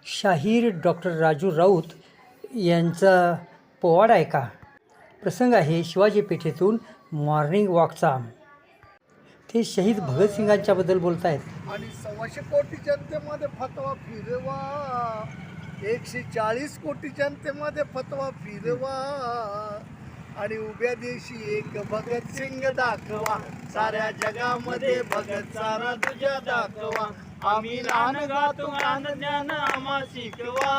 शाहीर डॉक्टर राजू राऊत यांचा पोवाडा ऐका. प्रसंग आहे शिवाजी पेठेतून मॉर्निंग वॉकचा. ते शहीद भगतसिंगांच्याबद्दल बोलत आहेत. आणि 1.25 कोटी जनतेमध्ये फतवा फिरवा, 140 कोटी जनतेमध्ये फतवा फिरवा, आणि उभ्या देशी एक भगतसिंग दाखवा, साऱ्या जगामध्ये भगत सारा तुझ्या दाखवा, आम्ही लहान गातो गान ज्ञान आम्हा शिकवा,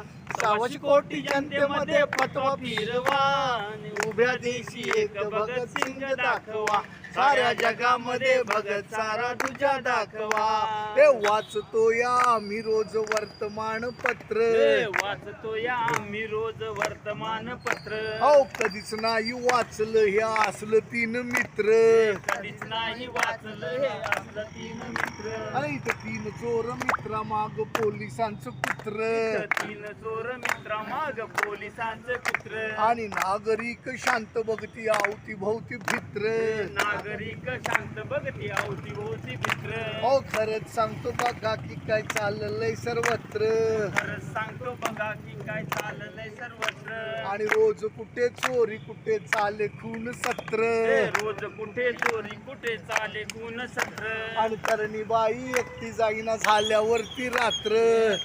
1.25 कोटी जनतेमध्ये फतवा फिरवा, आणि उभ्या देशी एक भगतसिंग दाखवा, साऱ्या जगामध्ये भगत सारा तुझ्या दाखवा. हे वाचतो या आम्ही रोज वर्तमानपत्र, वाचतो या आम्ही रोज वर्तमानपत्र, अहो कधीच नाही वाचलं हे असलं 3 मित्र, कधीच नाही वाचलं हे असलं 3 मित्र, आणि इथं 3 चोर मित्रा माग पोलिसांचं कुत्र, 3 चोर मित्रा माग पोलिसांचं कुत्र, आणि नागरिक शांत बघती आवती भोवती भित्र, नागरिक शांत बघती अवती भोवती भित्र, अहो खरंच सांगतो बघा की काय चाललंय सर्वत्र, खरंच सांगतो बघा की काय चाललंय सर्वत्र, आणि रोज कुठे चोरी कुठे चाले खून सत्र, रोज कुठे चोरी कुठे चाले खून सत्र, आणि तरणी बाई एकटी जाईना झाल्यावरती रात्र,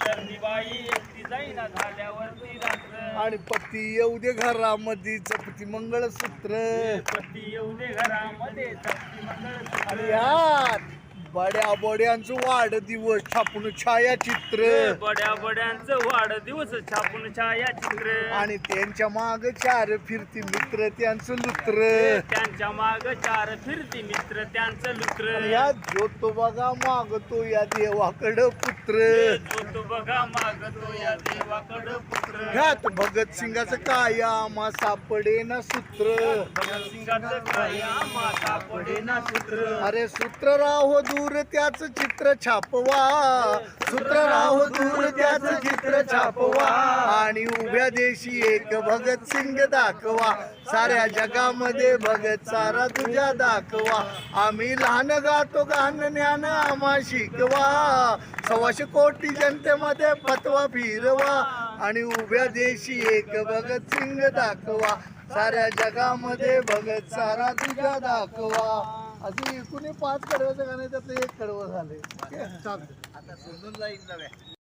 बाई एकटी जाईना झाल्यावरती रात्र, आणि पती येऊ दे घरामध्ये जपती मंगळसूत्र, पती येऊ दे घरामध्ये जपती मंगळसूत्र, आणि यात बड्या बड्यांचं वाढदिवस छापून छायाचित्र, बड्या बड्यांचं वाढदिवस छापून छायाचित्र, आणि त्यांच्या माग 4 फिरती मित्र त्यांचं लुत्र, त्यांच्या माग 4 फिरती मित्र त्यांचं लुत्र, आणि या जो तो बघा मागतो या देवाकडं पुत्र, जो तो बघा मागतो या देवाकडं पुत्र, ह्यात भगतसिंगाचं काय आम्हा सापडे ना सूत्र, भगतसिंगाचं काय आम्हा सापडे ना सूत्र, अरे सूत्र राहो दूर त्याचं चित्र छापवा, सूत्र राहो दूर त्याचं चित्र छापवा, आणि उभ्या देशी एक भगतसिंग दाखवा, साऱ्या जगामध्ये भगत सारा तुझ्या दाखवा, आम्ही लहान गातो गान ज्ञान आम्हा शिकवा, 1.25 कोटी जनतेमध्ये फतवा फिरवा, आणि उभ्या देशी एक भगतसिंग दाखवा, साऱ्या जगामध्ये भगत सारा तुझ्या दाखवा. अशी एकूण 5 कडव्याचं गाणं त्यातलं 1 कडवं झालंय. आता सोडून लाईन नव्या.